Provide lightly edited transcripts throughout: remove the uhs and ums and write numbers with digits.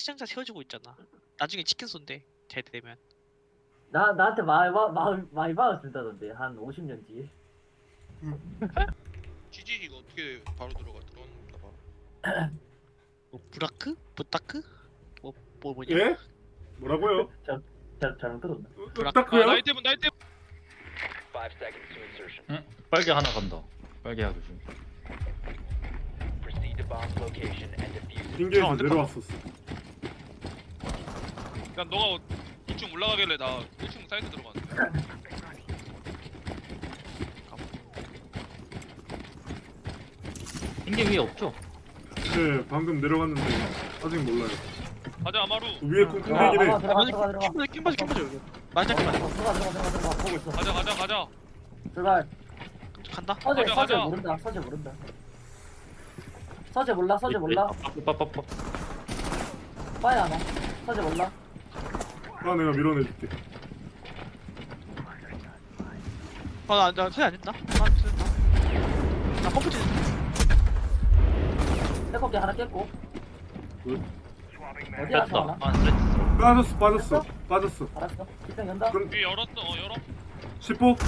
시장자 세워지고 있잖아. 나중에 치킨 쏜대. 잘 되면. 나한테 많이 받아준다던데 한 50년 뒤에. GG 이거 어떻게 바로 들어갔나 바로. 뭐 브라크? 보타크? 뭐냐? 예? 뭐라고요? 잘못 들었나? 딱그요? 나이테분 5 seconds to insertion. 응? 빨개 하나 간다. 빨개 하나 조심. Proceed to bomb's location and defuse it. 빙계에서 내려왔었어. 난 너가 2층 올라가길래 나 1층 사이트 들어갔는데. 핑계 위에 없죠? 네, 방금 내려갔는데 아직 몰라요. 가자 아마루. 위에 콩콩대기래. 들어가. 킴바지 맞아 킴바지. 들어가. 보고 있어. 가자. 들어가. 간다. 서재 가자. 모른다. 서재 몰라. 빠빠빠빠. 빠야 하나. 서재 몰라. 아, 내가 밀어내줄게. 나 소리 안 된다. 나 펌프 치. 백업기 하나 깼고. 어디야 뺐다. 하나? 안 뺐어. 빠졌어. 알았어. 일단 연다. 그럼 위에 열었어. 열어. 10호.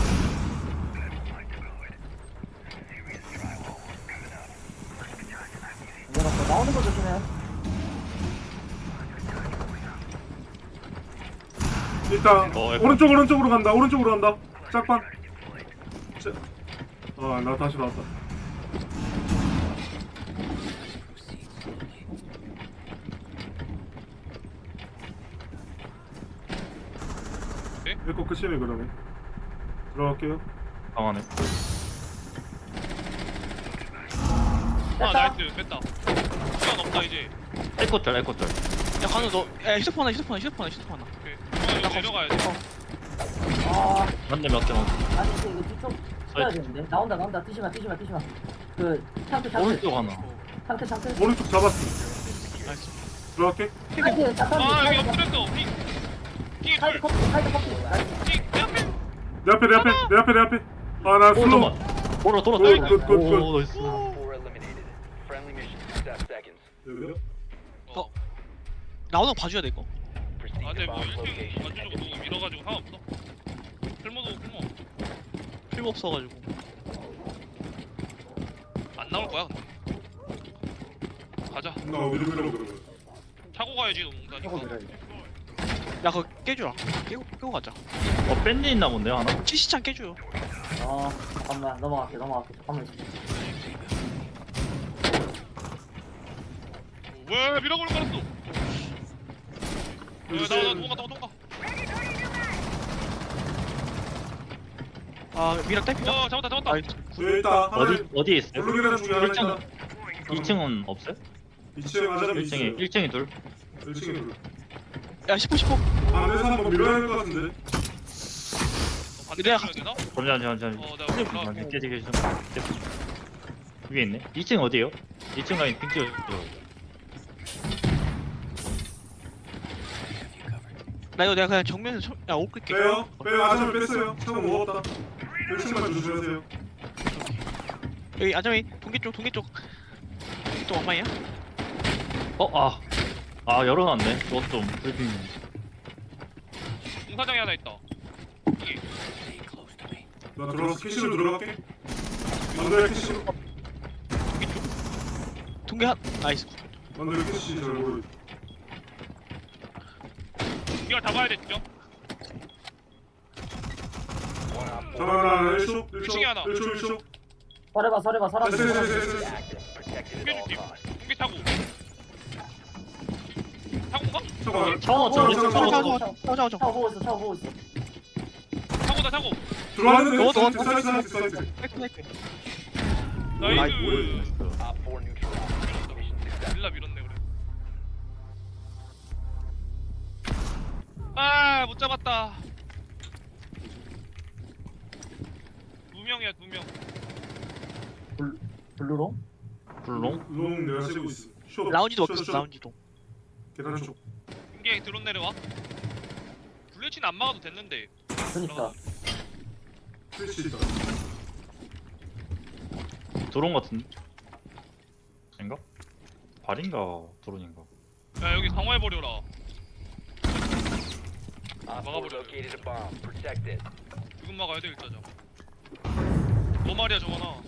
열었어. 나오는 거 조심해. 일단 에코. 오른쪽으로 간다. 짝방. 나 다시 나왔다. 네? 이거 끝이네 그러면. 들어갈게요. 방 안에. 아 뺐다. 나이스 뺐다. 시간 없다 이제. 에코짤. 야 간우 너. 야 휴대폰 하나. 오케이. 이거 내려가야 돼. 아, 맞네 맞대. 아니 이거 뒤쪽 쳐야 되는데. 나온다. 뛰지마. 그 창틀. 오른쪽 하나. 창틀. 오른쪽 잡았어. 나이스. 들어갈게. 사이드 잠깐. 아 여기 엎드렸어. 핑 사이드 커피. 나이스. 핑 앞에. 내 앞에. 아, 나 슬로우. 돌아. 굿. 오 나이스. Op 4 eliminated. Friendly mission success seconds. 여기요? 나오는 거 봐줘야 돼 이거. Proceed 아 to 근데 뭐 bomb's 1층 location and 완전적으로 defuse it. 밀어가지고 상관없어. 쓸모도 쓸모. 필요 없어가지고. 안 나올 거야 근데. 가자. 나 어디로 가려고 그러면. 차고 가야지 농사니까. 야 그거 깨주라. 깨고 가자. 밴드 있나 본데요 하나? 치시창 깨줘요. 잠깐만 넘어갈게. 잠깐만. 왜 밀어버릴 뻔했어. 나 도망가. 미랑 딸피다. 잡았다. 나이스. 여기 있다. 어디에 있어요? 블루계단 중에 하나 있다. 2층은 없어요? 2층에 맞으면 있어요. 1층이 둘. 1층에 둘. 야 10호. 안에서 한번 밀어야 될 것 같은데. 내가 되나? 잠시만. 내가 몰라. 깨지게 좀. 위에 있네. 2층 어디에요? 2층 가인 핑 찍어. 나 이거 내가 그냥 정면에서 옷 끌게. 빼요. 아저씨 뺐어요. 차고 먹었다. 1층만 조심하세요. 여기 아저미 동계 쪽 왕마이야? 열어놨네. 그것 좀 불핑. 공사장에 하나 있다. 여기. 나 들어가서 캐시로 들어갈게. 만두야 캐시로. 동계 한 나이스. 만두야 캐시 잘 모르. 이거 잡아야 돼 진짜. 잠깐만 1초. 1층에 하나. 1초. 서래봐. 사람. 됐어. Active. Protected at all costs. 공개 차고. 차고가? 잠깐만. 차고. 차고 보고 있어. 차고다 차고. 들어왔는데. 사이트. 나이스. Op 4 neutralized. Mission success. 밀라 밀었네 그래. 못 잡았다. 2명이야 2명. 블루롱? 불롱? 롱 내가 쓰고 있어. 쇼. 라운지도 쇼, 먹혔어. 쇼. 라운지도. 계단 쪽. 공개 드론 내려와. 블레치는 안 막아도 됐는데. 그니까. 스위치 있다. 드론 같은데? 아닌가? 발인가 드론인가? 야 여기 강화해버려라. Op 4 막아버려. located a bomb. Protect it. 지금 막아야 돼 일단. 너 말이야 정원아.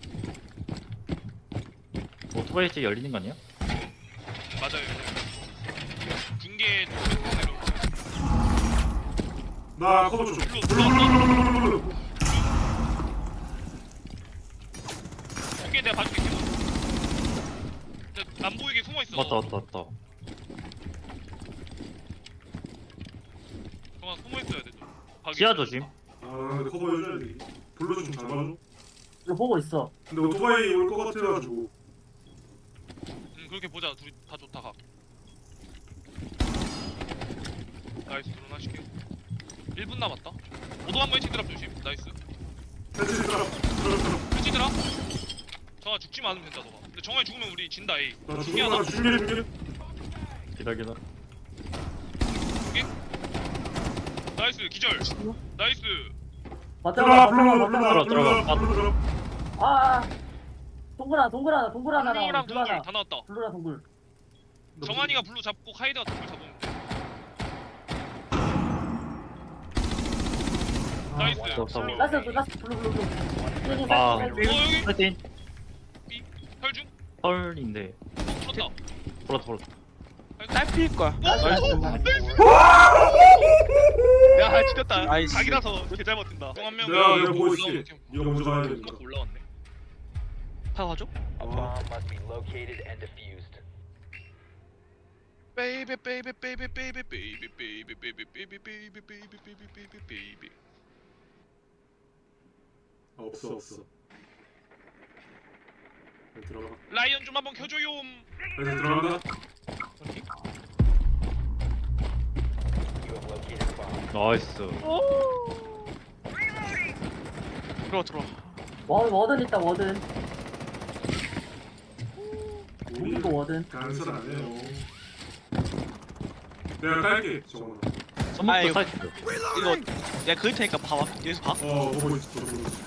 오토바이 집 열리는 거 아니야? 맞아요. 중계 내려. 나 커버 좀. 블루 들어왔어. 중계 내가 봐줄게. 진짜 안 보이게 숨어 있어. 왔다 왔다 왔다. 정원 숨어 있어야 돼. 좀. 박이 지하 있어야 돼. 조심. 아 근데 커버 해줘야 돼. 블루 좀 잘 봐줘. 이거 보고 있어. 근데 오토바이 올 것 같아가지고. 그렇게 보자. 둘이 다 좋다 가. 나이스 드론 하실게. 1분 남았다. 오도 한번 해치 드랍 조심. 나이스. 펜치 드랍. 해치 드랍. 정아 죽지만 않으면 된다 너가. 근데 정아 죽으면 우리 진다 에이. 나 중요하다. 중계. 기다려. 나이스 기절. 나이스. 버텨봐, 들어가 버텨봐, 버텨봐. 들어가. 아, 동굴 하나 블루랑 나와. 동굴 다 나왔다. 블루랑 동굴. 정한이가 블루 잡고 카이드가 동굴 잡으면 돼. 나이스. 없어. 블루. 라스 블루. 여기 아. 살짝 여기 파이팅. B 혈중 헐인데. 쳤다. 돌았다. 딸피일 거야. 야 지렸다. 나이스. 자기라서 개 잘 버틴다. 형한명 내가 보고 있을게. 네가 먼저 가야 되니까. 올라왔네. 다 가죠? A bomb must be located and defused. 베이비 베이비 베이비 베이비 베이비 베이비 베이비 베이비 베이비 베이비 베이비 베이비 베이비. 아, 없어. 들어가. 라이언 좀 한번 켜줘요. 다시 들어간다. You have located a bomb. 나이스. 들어와. 워든 있다, 워든. 우리 무기고 워든. 간섭 안 해요. 내가 깔게. 저거. 선목도 이거- 사이트. 이거 내가 그릴 테니까 봐봐. 여기서 봐. 보고 있어. 보고 있어.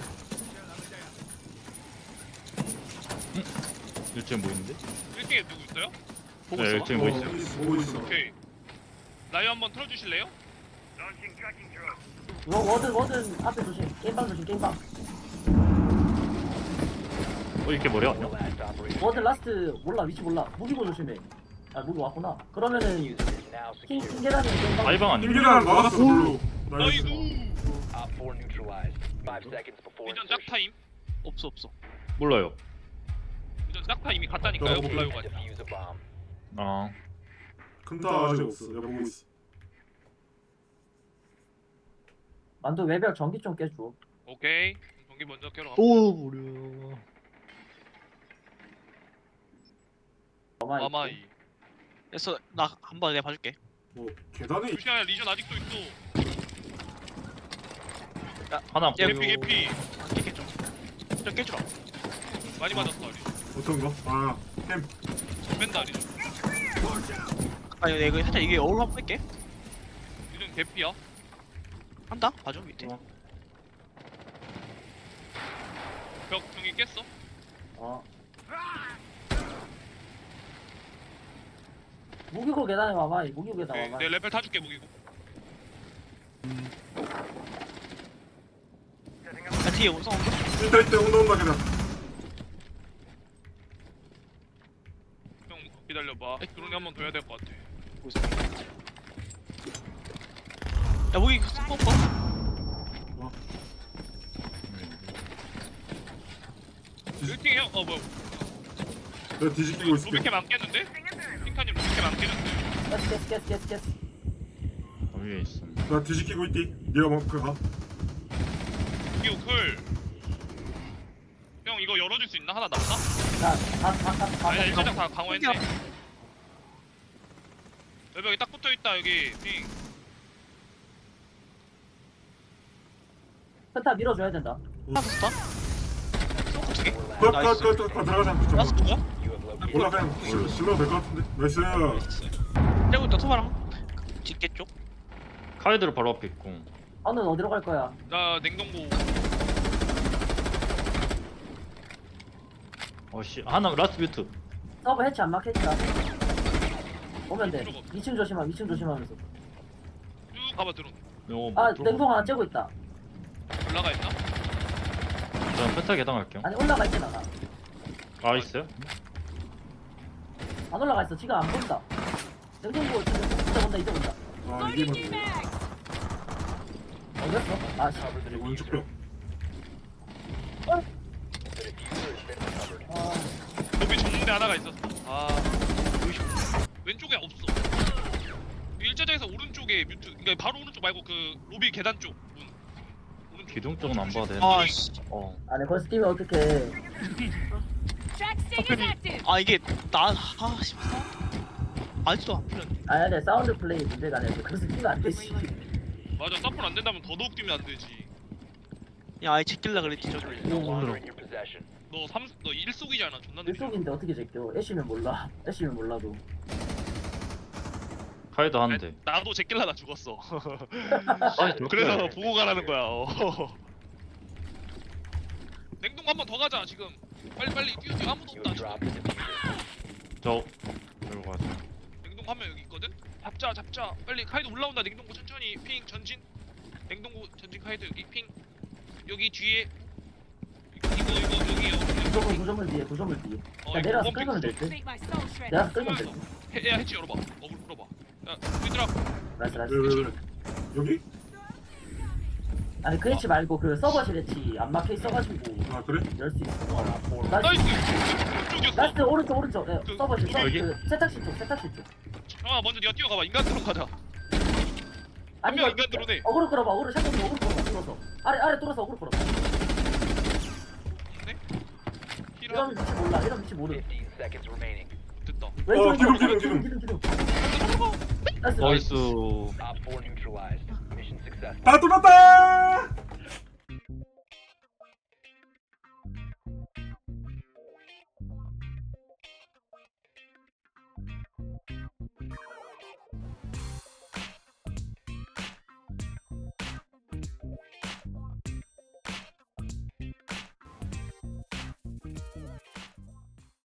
일주에 뭐 있는데? 1등에 누구 있어요? 보고 네, 있어. 일주에 뭐 있어? 보고 있어. 오케이. 라이언 한번 틀어주실래요? 워든 앞에 조심. 게임방. 이렇게 머리 왔냐? Last operator 워든 라스트 위치 몰라. 무기고 조심해. 아, 무기 왔구나. 그러면은 diffuser is now 킹 secure. 계단이 게임방. 아이방 아니야? 김기란 막았어. 블루. 나이스. 나이스. Op 4 neutralized. 5 seconds before 이전 insertion. 짝타임. 없어. 몰라요. 이전 짝타임이 갔다니까요. 오케이. 몰라요 가지. Defuse a bomb. 아. 금타 아직 없어. 내가 보고 있어. 만두 외벽 전기 좀 깨줘. 오케이. 경기 먼저 껴러 가. 또 무려. 마마이. 그래서 나 한번 내가 봐줄게. 뭐 계단에 루시아 리전 아직도 있어. 하나. 야, 개피 개피. 안 깨겠죠? 좀 깨주라. 많이 맞았어 리전. 어떤 거? 아, 캠. 뺀다 리전. 아니 내가 살짝 이게 어울 한번 뺄게. 리전 개피야. 한다. 봐줘 밑에. 벽 경기 깼어. 어. 무기고 계단에 와봐. 무기고 계단 오케이. 와봐. 내 레벨 타줄게 무기고. 야 뒤에 온성 온다. 일단 온다 계단. 형 기다려봐. 드론이 한 번 더 해야 될 것 같아. 보고 있어. 야 무기 스폰 거. 일팅 형. 뭐야. 내가 뒤집히고 있을게. 로비캠 안 깼는데? 핑카님 로비캠 안 깼는데? 깨스. 위에 있어. 나 뒤집히고 있디. 네가 뭐 그거 가. 이거 클. 형 이거 열어줄 수 있나? 하나 남나? 아니야 일자장 다 강화했네. 여기 딱 붙어있다 여기 핑. 센터 밀어줘야 된다. 하나 더 스타. 스모크 두 개. Four last 나이스. 들어가자. 라스 누구야? You have located 몰라 그냥 실러 될것 같은데. 나이스. 떼고 있다 토마랑. 뒷개 쪽. 카이드로 바로 앞에 있고. 너는 어디로 갈 거야? 나 냉동고. 어씨 하나 라스트 뮤트. 서버 해치 안 막혔다. 오면 돼. 2층 조심하면서. 쭉 가봐 드론. 아 냉동 하나 째고 있다. 올라가 있나? 저는 페타 계단 갈게요. 아니 올라가 있잖아. 나. 아 있어요? 안 올라가 있어. 지금 안 본다. 냉동고 이제 본다. 아 이게 뭐지? 어디였어? 아 씨. Cover the 오른쪽 diffuser. 벽. The diffuser has been recovered. 아, 로비 전문대 하나가 있었어. 아 왼쪽에 없어. 일자장에서 오른쪽에 뮤트. 그러니까 바로 오른쪽 말고 그 로비 계단 쪽 문. 오른쪽. 기둥 쪽은 안 봐도 되는데. 아씨 아니 거기서 뛰면 어떡해. 아 이게 나 아씨 아직도 안 풀렸네. 아니 사운드 플레이 문제가 아니라 거기서 뛰면 안 되지. 맞아 사포는 안 된다면 더더욱 뛰면 안 되지. 야 아예 제낄라 그랬지 저기. No longer in your possession. 너 1속이잖아. 존나 느끼. 일속인데 어떻게 제껴? 애쉬면 몰라. 애쉬면 몰라도. 카이드 하는데. 나도 제낄라다 죽었어. 아니 그래서 보고 가라는 거야. 냉동 한 번 더 가자 지금. 빨리 뛰어 아무도 You 없다. have 지금. dropped the diffuser. 저 이리로 가세요. 냉동 한 명 여기 있거든. 잡자. 빨리 카이드 올라온다. 냉동고 천천히 핑 전진. 냉동고 전진 카이드 여기 핑. 여기 뒤에. 이거 여기요. 구조물 뒤에. 어, 야 내려와서 원픽 끌면 될 듯. Make my soul shred. 내려와서 끌면 될 끌면서. 듯. 야 해치 열어봐. 어글 풀어봐. 야 얘들아. 나이스. 왜 여기? 아니 그 애치 말고 그 서버실 애치 안 막혀 있어가지고 아 그래? 열 수 있어. One op 4 나이스. 나이스. 이쪽이었어. 나이스 오른쪽. 네, 그, 서버실 여기? 그 세탁실 쪽. 형아 먼저 네가 뛰어가봐. 인간 드론 가자. 아니 명 이거 인간 들어오네. 어그로 끌어봐. 어그로 샷건 어그로 끌어봐. 뚫어서. 아래 뚫어서 어그로 끌어봐. 네? 이런 힐하. 위치 몰라. 이런 위치 모르. 15 seconds remaining. 됐다. 왼쪽 기둥. 나이스. 나이스. Op 4 neutralized. Mission successful. 다 뚫었다!